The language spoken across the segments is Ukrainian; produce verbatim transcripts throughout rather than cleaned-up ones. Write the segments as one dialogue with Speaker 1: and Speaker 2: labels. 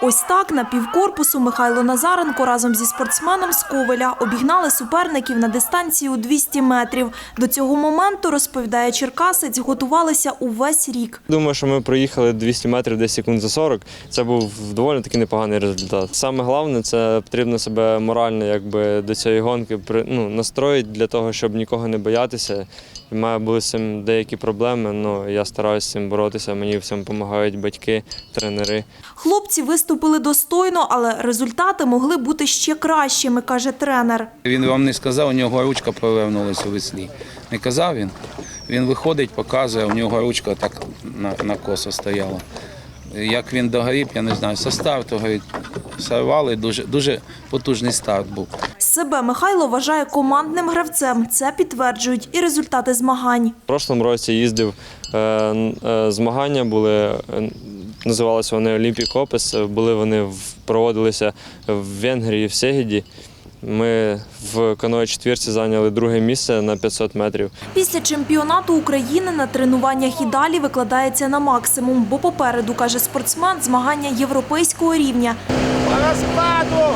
Speaker 1: Ось так на півкорпусу Михайло Назаренко разом зі спортсменом з Ковеля обігнали суперників на дистанції у двісті метрів. До цього моменту, розповідає черкасець, готувалися увесь рік.
Speaker 2: Думаю, що ми проїхали двісті метрів десь секунд за сорок. Це був доволі таки непоганий результат. Саме головне – це потрібно себе морально якби, до цієї гонки ну, настроїти для того, щоб нікого не боятися. У мене були з цим деякі проблеми, але я стараюся з цим боротися. Мені в цьому допомагають батьки, тренери.
Speaker 1: Хлопці виступили достойно, але результати могли бути ще кращими, каже тренер.
Speaker 3: Він вам не сказав, у нього ручка провернулася у веслі. Не казав він? Він виходить, показує, у нього ручка так на, на косо стояла. Як він догорів, я не знаю, со старту говорить, сорвали, дуже, дуже потужний старт був.
Speaker 1: Себе Михайло вважає командним гравцем. Це підтверджують і результати змагань.
Speaker 2: В прошлому році їздив, е, е, змагання були, е, називалися вони Олімпік Опес, були вони, в, проводилися в Венгрії, в Сегеді. Ми в каное-четвірці зайняли друге місце на п'ятсот метрів.
Speaker 1: Після чемпіонату України на тренуваннях і далі викладається на максимум, бо попереду, каже спортсмен, змагання європейського рівня.
Speaker 4: По розкладу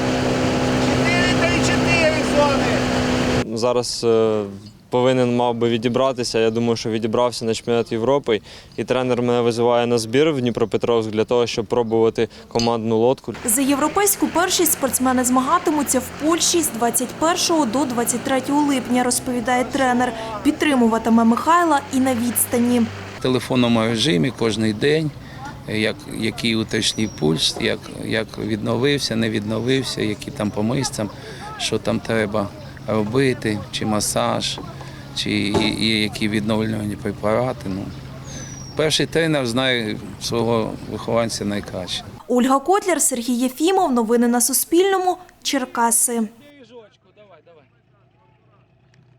Speaker 4: чотири три чотири зони.
Speaker 2: Зараз е, повинен мав би відібратися. Я думаю, що відібрався на чемпіонат Європи. І тренер мене визиває на збір в Дніпропетровськ для того, щоб пробувати командну лодку.
Speaker 1: За європейську першість спортсмени змагатимуться в Польщі з двадцять першого до двадцять третього липня, розповідає тренер. Підтримуватиме Михайла і на відстані.
Speaker 3: В телефонному режимі кожен день, як, який уточній пульс, як, як відновився, не відновився, які там по мишцям, що там треба робити, чи масаж, чи є які відновлювальні препарати. Ну, перший тренер знає свого вихованця найкраще.
Speaker 1: Ольга Котляр, Сергій Єфімов. Новини на Суспільному. Черкаси.